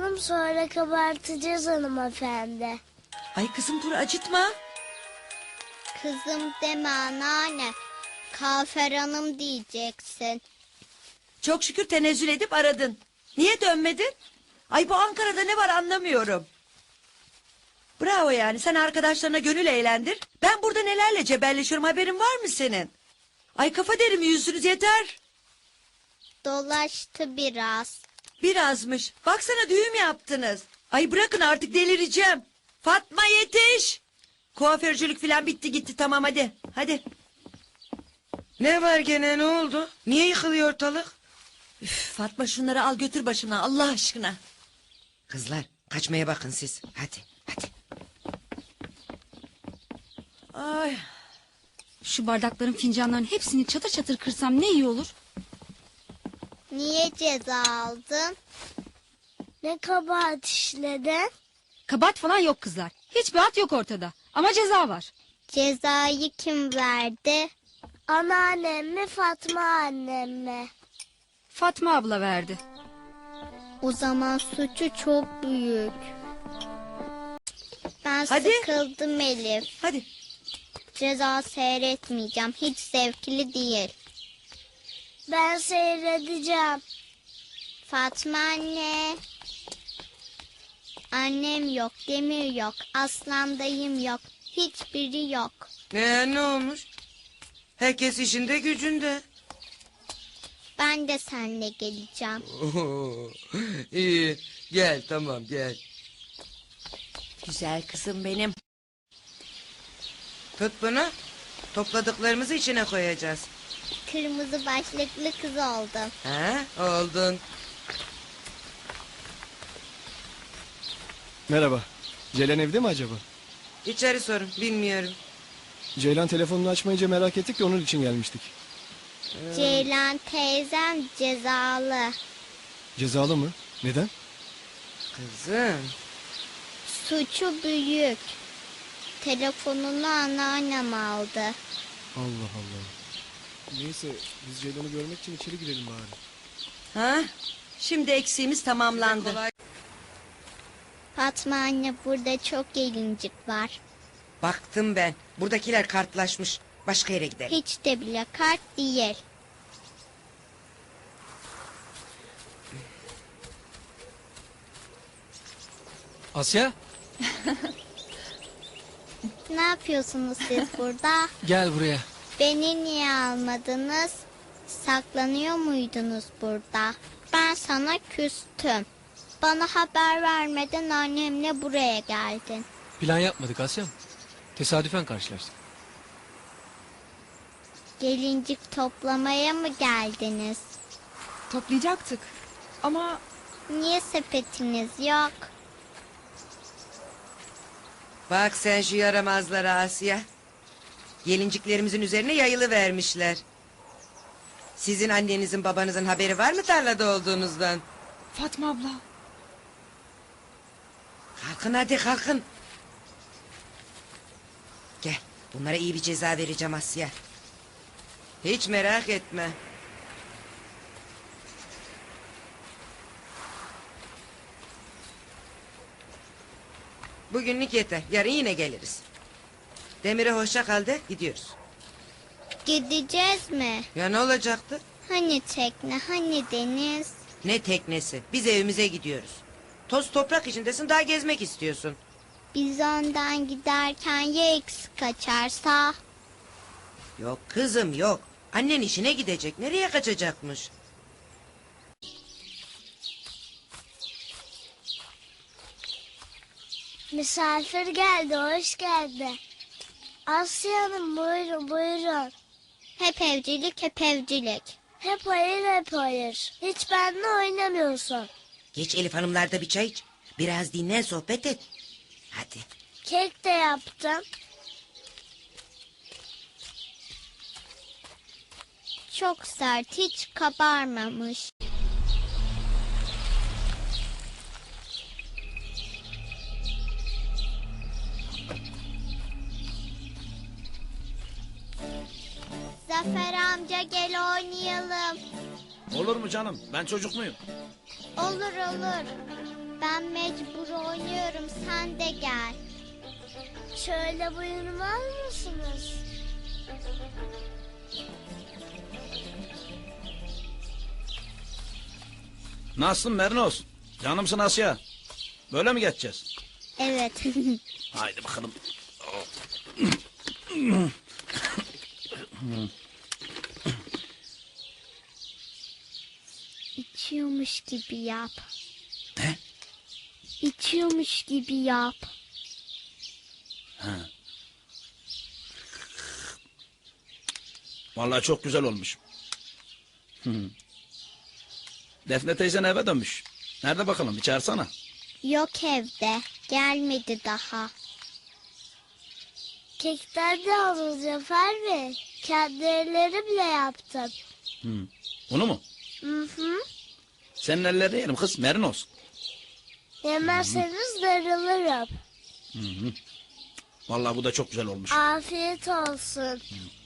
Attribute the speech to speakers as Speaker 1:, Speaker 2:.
Speaker 1: acıtalım, sonra kabartacağız hanımefendi.
Speaker 2: Ay kızım dur, acıtma.
Speaker 3: Kızım deme anneanne. Kafer Hanım diyeceksin.
Speaker 2: Çok şükür tenezzül edip aradın. Niye dönmedin? Ay bu Ankara'da ne var anlamıyorum. Bravo yani, sen arkadaşlarına gönül eğlendir. Ben burada nelerle cebelleşiyorum, haberin var mı senin? Ay kafa derimi yüzünüz yeter.
Speaker 3: Dolaştı biraz.
Speaker 2: Birazmış. Baksana düğüm yaptınız. Ay bırakın artık, delireceğim. Fatma yetiş. Kuaförcülük falan bitti gitti, tamam hadi. Hadi.
Speaker 4: Ne var gene, ne oldu? Niye yıkılıyor ortalık?
Speaker 2: Üf, Fatma şunları al götür başına Allah aşkına.
Speaker 4: Kızlar kaçmaya bakın siz. Hadi hadi.
Speaker 2: Ay.
Speaker 5: Şu bardakların, fincanların hepsini çatır çatır kırsam ne iyi olur.
Speaker 3: Niye ceza aldın?
Speaker 1: Ne kabahat işledin?
Speaker 5: Kabahat falan yok kızlar. Hiçbir hat yok ortada. Ama ceza var.
Speaker 3: Cezayı kim verdi?
Speaker 1: Anneannem mi, Fatma annem mi?
Speaker 5: Fatma abla verdi.
Speaker 3: O zaman suçu çok büyük. Ben
Speaker 2: Hadi.
Speaker 3: sıkıldım Elif.
Speaker 2: Hadi.
Speaker 3: Ceza seyretmeyeceğim. Hiç zevkli değil.
Speaker 1: Ben seyredeceğim.
Speaker 3: Fatma anne. Annem yok, Demir yok, Aslan dayım yok. Hiçbiri yok.
Speaker 4: Ne olmuş? Herkes işinde gücünde.
Speaker 3: Ben de seninle geleceğim.
Speaker 4: İyi gel, tamam gel.
Speaker 2: Güzel kızım benim.
Speaker 4: Tut bunu. Topladıklarımızı içine koyacağız.
Speaker 3: Kırmızı başlıklı kız oldum.
Speaker 4: Ha, oldun.
Speaker 6: Merhaba. Ceylan evde mi acaba?
Speaker 4: İçeri sorun, bilmiyorum.
Speaker 6: Ceylan telefonunu açmayınca merak ettik de onun için gelmiştik.
Speaker 3: Ceylan teyzem cezalı.
Speaker 6: Cezalı mı? Neden?
Speaker 4: Kızım.
Speaker 3: Suçu büyük. Telefonunu anneannem aldı.
Speaker 6: Allah Allah. Neyse biz Ceylan'ı görmek için içeri girelim bari.
Speaker 2: Ha? Şimdi eksiğimiz tamamlandı.
Speaker 4: Kolay.
Speaker 3: Fatma anne, burada çok gelincik var.
Speaker 4: Baktım ben. Buradakiler kartlaşmış. Başka yere gidelim.
Speaker 3: Hiç de bile kart değil.
Speaker 7: Asya,
Speaker 3: Ne yapıyorsunuz siz burada?
Speaker 7: gel buraya.
Speaker 3: Beni niye almadınız? Saklanıyor muydunuz burada? Ben sana küstüm. Bana haber vermeden annemle buraya geldin.
Speaker 7: Plan yapmadık Asya. Tesadüfen karşılaştık.
Speaker 3: Gelincik toplamaya mı geldiniz?
Speaker 8: Toplayacaktık ama
Speaker 3: Niye sepetiniz yok?
Speaker 4: Bak sen şu yaramazlara Asya. Gelinciklerimizin üzerine yayılı vermişler. Sizin annenizin babanızın haberi var mı tarlada olduğunuzdan?
Speaker 8: Fatma abla.
Speaker 4: Kalkın hadi kalkın. Gel, bunlara iyi bir ceza vereceğim Asya. Hiç merak etme. Bugünlük yeter, yarın yine geliriz. Demir'e hoşça kal de, gidiyoruz.
Speaker 3: Gideceğiz mi?
Speaker 4: Ya ne olacaktı?
Speaker 3: Hani tekne, hani deniz?
Speaker 4: Ne teknesi, biz evimize gidiyoruz. Toz toprak içindesin, daha gezmek istiyorsun.
Speaker 3: Biz önden giderken ya eksik kaçarsa?
Speaker 4: Yok kızım yok. Annen işine gidecek, nereye kaçacakmış?
Speaker 1: Misafir geldi, hoş geldi. Asya Hanım buyurun buyurun.
Speaker 3: Hep evcilik, hep evcilik.
Speaker 1: Hep hayır hep hayır. Hiç benimle oynamıyorsun.
Speaker 4: Geç Elif Hanımlarda bir çay iç. Biraz dinlen, sohbet et. Hadi.
Speaker 1: Kek de yaptım.
Speaker 3: Çok sert, hiç kabarmamış. Zafer amca gel oynayalım.
Speaker 9: Olur mu canım? Ben çocuk muyum?
Speaker 3: Olur olur. Ben mecbur oynuyorum, sen de gel.
Speaker 1: Şöyle buyurun alır mısınız?
Speaker 9: Nasılsın Mernos? Canımsın Asya. Böyle mi geçeceğiz?
Speaker 3: Evet.
Speaker 9: Haydi bakalım.
Speaker 3: İçiyormuş gibi yap.
Speaker 9: Ne?
Speaker 3: İçiyormuş gibi yap.
Speaker 9: Vallahi çok güzel olmuş. Defne teyzen eve dönmüş. Nerede bakalım bir çağırsana.
Speaker 3: Yok evde. Gelmedi daha.
Speaker 1: Kekten de alın Zafer Bey. Kendi ellerimle yaptım.
Speaker 9: Bunu mu?
Speaker 1: Hı hı.
Speaker 9: Senin ellerini yerim kız Mernos.
Speaker 1: Yemezseniz darılırım.
Speaker 9: Vallahi bu da çok güzel olmuş.
Speaker 1: Afiyet olsun.